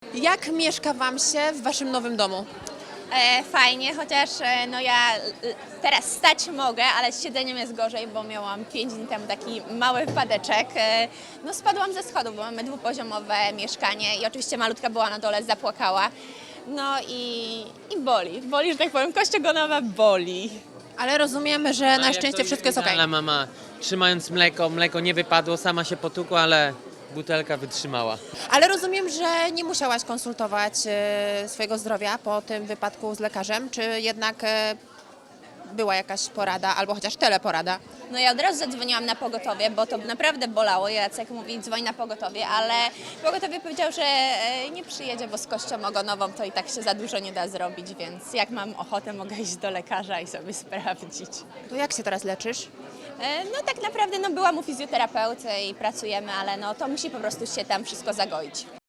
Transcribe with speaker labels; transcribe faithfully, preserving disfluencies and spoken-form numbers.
Speaker 1: Jak mieszka Wam się w Waszym nowym domu?
Speaker 2: E, fajnie, chociaż e, no ja e, teraz stać mogę, ale z siedzeniem jest gorzej, bo miałam pięć dni temu taki mały wypadeczek. E, no spadłam ze schodów, bo mamy dwupoziomowe mieszkanie i oczywiście malutka była na dole, zapłakała. No i, i boli, boli, że tak powiem, kość ogonowa boli.
Speaker 1: Ale rozumiemy, że na szczęście wszystko jest okej.
Speaker 3: Ale mama, trzymając mleko, mleko nie wypadło, sama się potukła, ale butelka wytrzymała.
Speaker 1: Ale rozumiem, że nie musiałaś konsultować e, swojego zdrowia po tym wypadku z lekarzem, czy jednak e, była jakaś porada, albo chociaż teleporada?
Speaker 2: No ja od razu zadzwoniłam na pogotowie, bo to naprawdę bolało. Jacek mówi, dzwoń na pogotowie, ale pogotowie powiedział, że e, nie przyjedzie, bo z kością ogonową to i tak się za dużo nie da zrobić, więc jak mam ochotę, mogę iść do lekarza i sobie sprawdzić.
Speaker 1: To jak się teraz leczysz?
Speaker 2: E, No tak naprawdę no, byłam u fizjoterapeuty i pracujemy, ale no, to musi po prostu się tam wszystko zagoić.